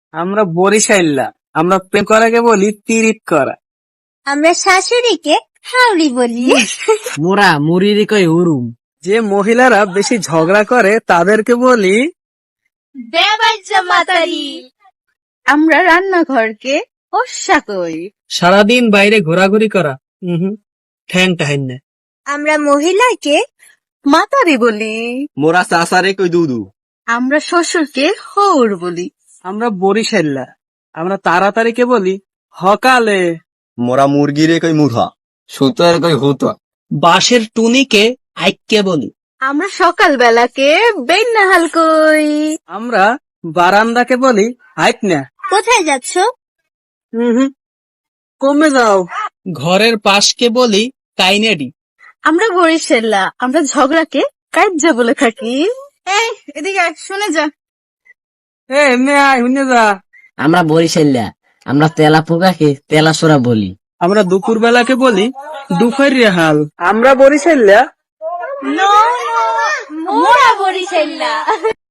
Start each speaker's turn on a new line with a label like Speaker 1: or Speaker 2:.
Speaker 1: আমরা বরিশাইল্লা, আমরা প্রেম করাকে বলি তিরিত করা।
Speaker 2: আমরা শাশুড়িকে হাউড়ি বলি।
Speaker 3: মোরা মুড়িরি কই হুরুম।
Speaker 1: যে মহিলারা বেশি ঝগড়া করে তাদেরকে বলি
Speaker 2: বেবাজ্জা মাতারি। আমরা রান্নাঘরকে ওস্যা কই।
Speaker 1: সারাদিন বাইরে ঘোরাঘুরি করা। ঠ্যাং টাহেন না।
Speaker 2: আমরা মহিলাকে মাতারি বলি।
Speaker 4: মোরা চাচারে কই দুদু।
Speaker 2: আমরা শ্বশুরকে হৌর বলি।
Speaker 1: আমরা বরিশাইল্লা, আমরা তাড়াতাড়িকে বলি হকালে।
Speaker 4: মোরা মুরগিরে কই মুথা।
Speaker 3: সুতোর কই হুতো।
Speaker 1: বাঁশের টুনিকে আইক্যে বলি।
Speaker 2: আমরা সকাল বেলাকে বেন্নাহাল কই।
Speaker 1: আমরা বারান্দাকে বলি হাইট না।
Speaker 2: কোথায় যাচ্ছ?
Speaker 1: কমে যাও। ঘরের পাশকে বলি কাইনেডি।
Speaker 2: আমরা বরিশাল্লা, আমরা ঝগড়াকে কাজ্জা বলে থাকি। এই এদিকে আয়, শুনে যা।
Speaker 1: এমনি আয় হুনে যা।
Speaker 3: আমরা বরিশাল্লা, আমরা তেলা পোকাকে তেলা সোরা বলি।
Speaker 1: আমরা দুপুর বেলাকে বলি দুপুর রেহাল। আমরা বরিশাইল্লা,
Speaker 2: মোরা বরিশাল্লা।